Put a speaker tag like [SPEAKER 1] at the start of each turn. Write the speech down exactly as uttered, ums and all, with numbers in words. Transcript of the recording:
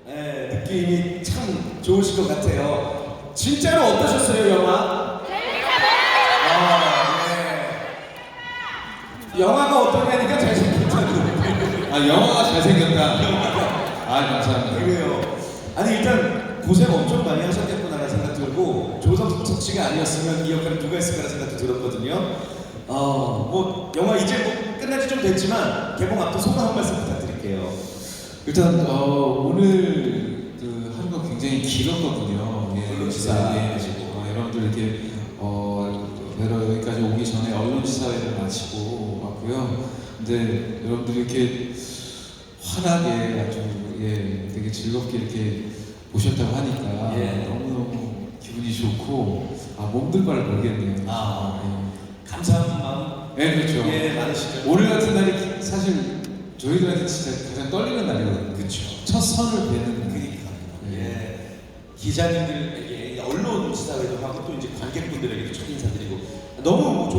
[SPEAKER 1] 네, 느낌이 참 좋으실 것 같아요. 진짜로 어떠셨어요, 영화? 아, 네. 영화가 어떠냐니까 잘생겼다고.
[SPEAKER 2] 아, 영화가 잘생겼다. 아, 감사합니다.
[SPEAKER 1] 그래요. 아니 일단 고생 엄청 많이 하셨겠구나라는 생각 들고 조성석 씨가 아니었으면 이 역할을 누가 했을까라는 생각도 들었거든요. 어, 뭐 영화 이제 뭐 끝난 지 좀 됐지만 개봉 앞둔 소감 한 말씀 부탁드릴게요.
[SPEAKER 2] 일단 어, 오늘 그 하루가 굉장히 길었거든요. 예,
[SPEAKER 1] 언론지사
[SPEAKER 2] 예,
[SPEAKER 1] 마치고.
[SPEAKER 2] 어, 여러분들 이렇게 어, 뵈러 여기까지 오기 전에 언론지사회를 마치고 왔고요. 근데 여러분들이 이렇게 환하게 아주 예, 되게 즐겁게 이렇게 보셨다고 하니까
[SPEAKER 1] 예.
[SPEAKER 2] 너무너무 기분이 좋고 아 몸둘 바를 모르겠네요.
[SPEAKER 1] 아,
[SPEAKER 2] 예.
[SPEAKER 1] 감사한 마음
[SPEAKER 2] 네, 그렇죠.
[SPEAKER 1] 예 많으시죠.
[SPEAKER 2] 오늘 같은 날이 사실 저희들한테 진짜 가장 떨리는 날이거든요.
[SPEAKER 1] 그렇죠.
[SPEAKER 2] 첫 선을 뵈는 날.
[SPEAKER 1] 그러니까 예 기자님들에게 언론 지사회도 하고 또 이제 관객분들에게도 첫 인사드리고 너무 뭐